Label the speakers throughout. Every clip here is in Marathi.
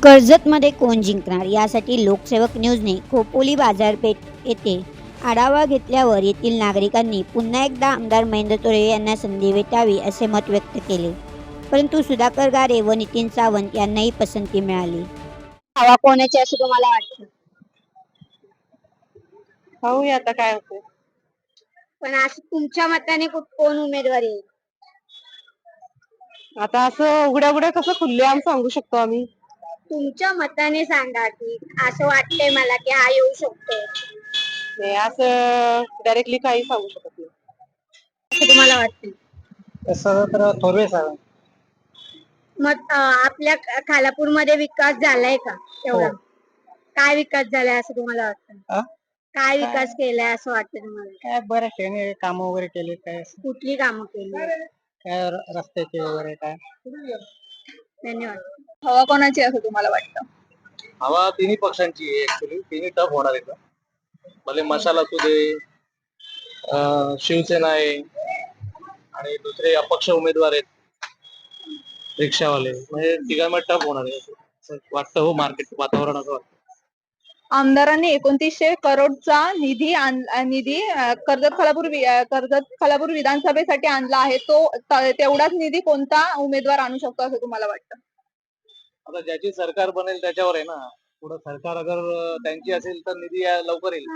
Speaker 1: कर्जतमध्ये कोण जिंकणार यासाठी लोकसेवक न्यूजने खोपोली बाजारपेठ येथे आढावा घेतल्यावर येथील नागरिकांनी पुन्हा एकदा आमदार महेंद्र तोरवे यांना संधी भेटावी असे मत व्यक्त केले. परंतु सुधाकर गारे व नितीन सावंत यांनाही पसंती मिळाली. हवा कोणाची असं तुम्हाला वाटतं?
Speaker 2: पाहूया आता काय होतं.
Speaker 1: पण असं तुमच्या मताने कोण उमेदवार येईल?
Speaker 2: आता असं उघड्या उघड्या कसं खुल्लेआम सांगू शकतो आम्ही.
Speaker 1: तुमच्या मताने सांगा की असं वाटतंय मला की हा येऊ शकतो
Speaker 2: नाही असं डायरेक्टली काही सांगू शकत नाही.
Speaker 1: असं तुम्हाला वाटतं?
Speaker 3: तसं तर थोरवे साहेब.
Speaker 1: मग आपल्या खालापूरमध्ये विकास झालाय का एवढा? काय विकास झालाय असं तुम्हाला वाटतं? काय विकास केलाय असं वाटतं तुम्हाला?
Speaker 3: काय बरं त्याने काम वगैरे केले काय
Speaker 1: कुठली कामं केली?
Speaker 3: काय रस्त्याचे वगैरे काय.
Speaker 1: धन्यवाद.
Speaker 2: हवा कोणाची असं तुम्हाला वाटतं?
Speaker 4: हवा तिन्ही पक्षांची आहे. ऍक्च्युली तिन्ही टफ होणार आहे. भले मशाल असू दे, शिवसेना आहे आणि दुसरे अपक्ष उमेदवार आहेत रिक्षावाले, म्हणजे तिघांमध्ये टफ होणार आहे असं वाटतं. हो, मार्केट वातावरण असं वाटतं.
Speaker 2: आमदारांनी 2900 करोडचा निधी कर्जत खालापूर विधानसभेसाठी आणला आहे. तो तेवढाच निधी कोणता उमेदवार आणू शकतो असं तुम्हाला वाटतं?
Speaker 4: आता ज्याची सरकार बनेल त्याच्यावर आहे ना. पुढे सरकार अगर त्यांची असेल तर निधी लवकर येईल.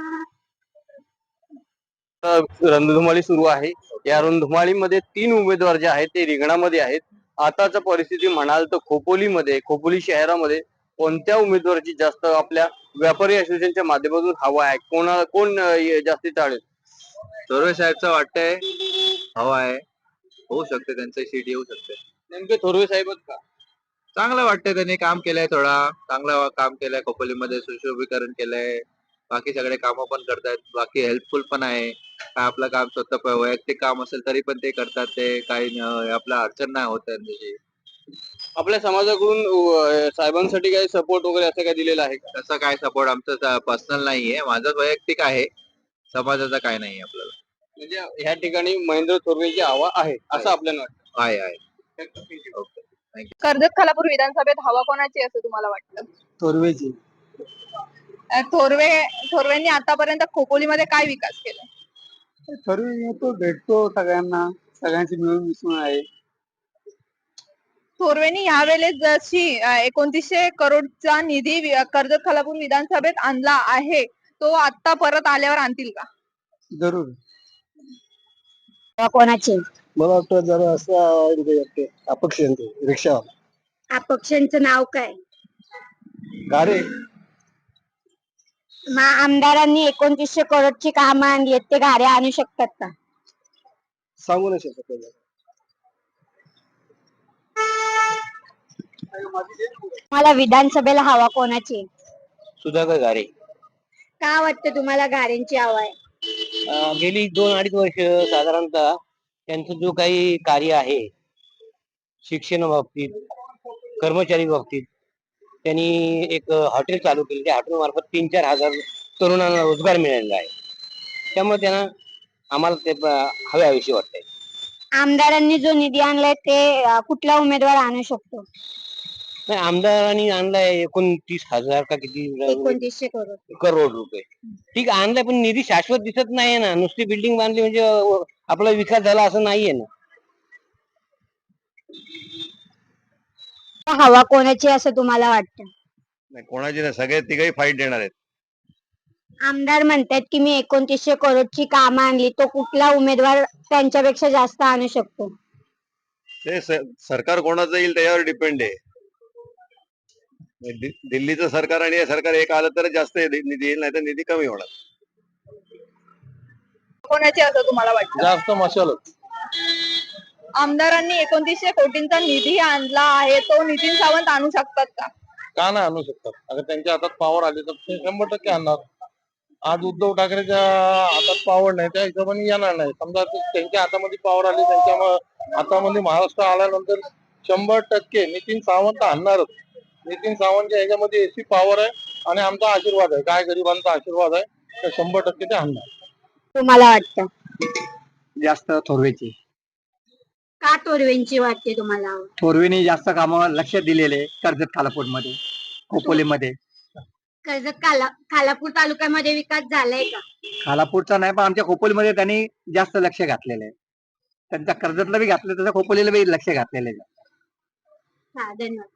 Speaker 5: रणधुमाळी सुरू आहे. या रणधुमाळीमध्ये 3 उमेदवार जे आहेत ते रिंगणामध्ये आहेत. आताच परिस्थिती म्हणाल तर खोपोली शहरामध्ये कोणत्या उमेदवाराची जास्त आपल्या व्यापारी असोसिएशनच्या माध्यमातून हवा आहे? कोण जास्ती चालेल?
Speaker 4: थोरवे साहेबचं वाटतंय हवा आहे. होऊ शकते त्यांचं सीट येऊ शकते.
Speaker 5: नेमके थोरवे साहेबच का?
Speaker 4: चांगलं वाटतंय, त्यांनी काम केलंय, थोडा चांगलं काम केलंय. खोपोलीमध्ये सुशोभीकरण केलंय, बाकी सगळे कामं पण करतायत. बाकी हेल्पफुल पण आहे. काय आपलं काम स्वतः वैयक्तिक काम असेल तरी पण ते करतात. ते काही आपला अडचण नाही होत त्याची.
Speaker 5: आपल्या समाजाकडून साहेबांसाठी काही सपोर्ट वगैरे असं काय दिलेलं आहे का?
Speaker 4: तसं काय सपोर्ट आमचं पर्सनल नाहीये, माझं वैयक्तिक आहे. समाजाचा काय नाही आपल्याला.
Speaker 5: म्हणजे ह्या ठिकाणी महेंद्र थोरवेची हवा आहे असं आपल्याला वाटतं.
Speaker 4: आहे.
Speaker 2: कर्जत खालापूर विधानसभेत हवा कोणाची असं तुम्हाला वाटतं?
Speaker 3: थोरवेची.
Speaker 2: थोरवेंनी आतापर्यंत खोपोलीमध्ये काय विकास केला?
Speaker 3: थोरवे येतो, भेटतो सगळ्यांना, सगळ्यांची मिळून मिसळून आहे.
Speaker 2: थोरवेंनी यावेळेस जशी 2900 करोडचा निधी कर्जत खालापूर विधानसभेत आणला आहे, तो आता परत आल्यावर आणतील का?
Speaker 3: जरूर.
Speaker 1: हवा कोणाची?
Speaker 3: मला वाटतं जरा असं अपक्ष रिक्षा
Speaker 1: अपक्षांचं नाव काय?
Speaker 3: गारे.
Speaker 1: मग आमदारांनी 2900 करोडची कामं आणली आहेत, ते गाड्या आणू शकतात का?
Speaker 3: सांगू नाही शकत त्याला.
Speaker 1: मला विधानसभेला हवा कोणाची?
Speaker 5: सुधाकर गारे.
Speaker 1: का वाटतं तुम्हाला गाड्यांची हवा आहे?
Speaker 5: गेली 2-2.5 वर्ष साधारणतः त्यांचं जो काही कार्य आहे शिक्षण बाबतीत, कर्मचारी बाबतीत, त्यांनी एक हॉटेल चालू केले. त्या हॉटेल मार्फत 3-4 हजार तरुणांना रोजगार मिळालेला आहे. त्यामुळे त्यांना आम्हाला ते हव्याविषयी वाटतंय.
Speaker 1: आमदारांनी जो निधी आणलाय ते कुठला उमेदवार आणू शकतो?
Speaker 5: नाही, आमदारांनी आणलाय 29,000 का किती
Speaker 1: 2900 करोड.
Speaker 5: करोड रुपये. ठीक आणलाय, पण निधी शाश्वत दिसत नाहीये ना. नुसती बिल्डिंग बांधली म्हणजे आपला विकास झाला असं नाहीये ना.
Speaker 1: हवा कोणाची असं तुम्हाला वाटतं?
Speaker 4: कोणाची नाही, सगळे तिघही फाईट देणार आहेत.
Speaker 1: आमदार म्हणतात की मी 2900 करोडची कामं आणली, तो कुठला उमेदवार त्यांच्यापेक्षा जास्त आणू शकतो?
Speaker 4: ते सरकार कोणाचं येईल त्याच्यावर डिपेंड आहे. दिल्लीचं सरकार आणि हे सरकार एक आलं तर जास्त निधी येईल, नाही तर निधी कमी होणार.
Speaker 2: कोणाची असं तुम्हाला वाटतं?
Speaker 4: जास्त मशालच.
Speaker 2: आमदारांनी 2900 कोटींचा निधी आणला आहे, तो नितीन सावंत आणू शकतात का?
Speaker 4: का नाही आणू शकतात? अगर त्यांच्या हातात पॉवर आली तर ते 100% आणणार. आज उद्धव ठाकरेच्या हातात पॉवर नाही, त्या हिशोबाने येणार नाही. समजा त्यांच्या हातामध्ये पॉवर आली, त्यांच्या हातामध्ये महाराष्ट्र आल्यानंतर 100% नितीन सावंत आणणारच. नितीन सावंतच्या ह्याच्यामध्ये एसी पॉवर आहे आणि आमचा आशीर्वाद आहे, काय गरिबांचा आशीर्वाद आहे, तर 100% ते आणणार.
Speaker 1: तुम्हाला वाटतं?
Speaker 3: जास्त थोरवेची.
Speaker 1: का तोरवेंची वाटते तुम्हाला?
Speaker 3: थोरवेनी जास्त कामावर लक्ष दिलेले कर्जत खालापूर मध्ये. खोपोलीमध्ये.
Speaker 1: कर्जत खालापूर तालुक्यामध्ये विकास झालाय का?
Speaker 3: खालापूरचा नाही, पण आमच्या खोपोलीमध्ये त्यांनी जास्त लक्ष घातलेलं आहे. त्यांच्या कर्जतला बी घातलं, तसं खोपोलीला बी लक्ष घातलेलं आहे.
Speaker 1: हा, धन्यवाद.